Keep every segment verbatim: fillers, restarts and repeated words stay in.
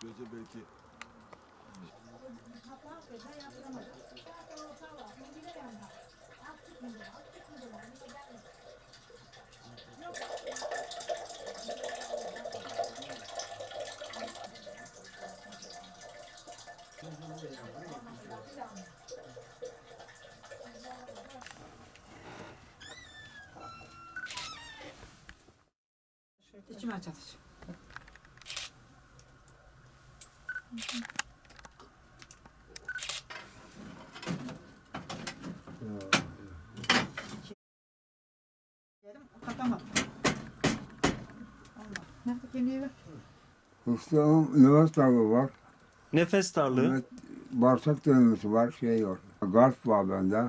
çözse belki. İçime çatış. Kapamadım. Allah. Nerede kemiği var? Mustafa'nın nefes darlığı var. Nefes darlığı. Evet, bağırsak dönmesi var, şey var. Garp var bende.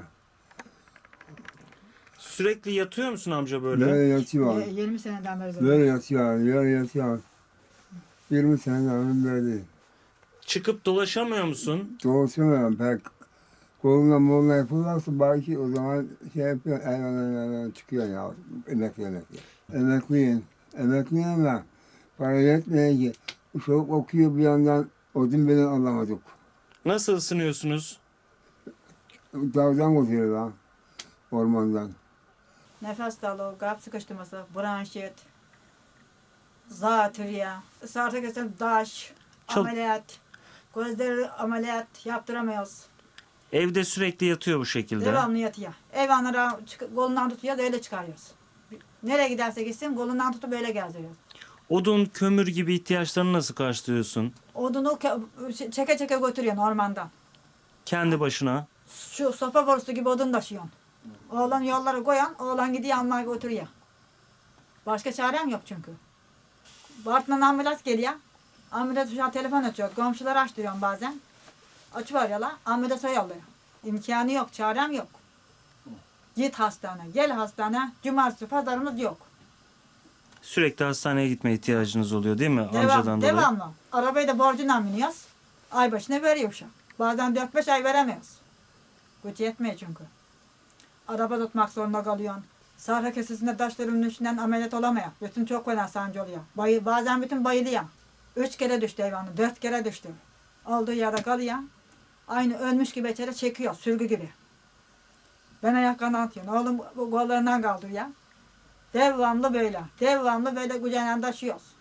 Sürekli yatıyor musun amca böyle? Böyle yatıyor. Ye- yirmi seneden beri böyle. Böyle yatıyor, böyle yatıyor. yirmi seneden beri değil. Çıkıp dolaşamıyor musun? Doğuşamıyorum pek. Koluna moluna yapılırsa belki o zaman şey yapıyor, hayvan hayvan çıkıyor ya. Emekli emekli. Emekliyim. Emekliyim ben. Para yetmiyor ki. Çocuk okuyor bir yandan odun bile alamadık. Nasıl ısınıyorsunuz? Dağdan koşuyor lan. Ormandan. Nefes darlığı, kalp sıkıştırması, bronşit, zatürre, sarı kesim daş, Çok- ameliyat, gözleri ameliyat yaptıramıyoruz. Evde sürekli yatıyor bu şekilde. Devamlı yatıyor. Hayvanlara çık- kolundan tutuyor da öyle çıkarıyoruz. Nereye giderse gitsin kolundan tutup böyle gezdiriyoruz. Odun, kömür gibi ihtiyaçlarını nasıl karşılıyorsun? Odunu ke- çeke çeke götürüyor ormandan. Kendi başına. Şu sopa borusu gibi odun taşıyorsun. Oğlan yollara koyan, oğlan gidiyor almaya götürüyor. Başka çarem yok çünkü. Bartın'dan ambulans geliyor. Ambulans şu an telefon açıyor. Komşuları açtırıyorum bazen. Açıveriyorlar. Ambulansa yolluyor. İmkanı yok, çarem yok. Git hastane, gel hastane. Cumartesi pazarımız yok. Sürekli hastaneye gitme ihtiyacınız oluyor değil mi Devam, amcadan dolayı? devamlı. Arabayı da borcuna biniyoruz. Ay başına veriyor şu. Bazen dört beş ay veremiyoruz. Güç yetmiyor çünkü. Araba tutmak zorunda kalıyorsun. Sahra kesesinde taşların üstünden ameliyat olamıyor. Bütün çok fena sancı oluyor. Bayı, bazen bütün bayılıyor. Üç kere düştü hayvanı, dört kere düştü. Olduğu yerde kalıyor. Aynı ölmüş gibi içeri çekiyor, sürgü gibi. Ben ayaklarını atıyorum. Oğlum bu kollarından kaldırıyor. Devamlı böyle. Devamlı böyle kucağına taşıyoruz.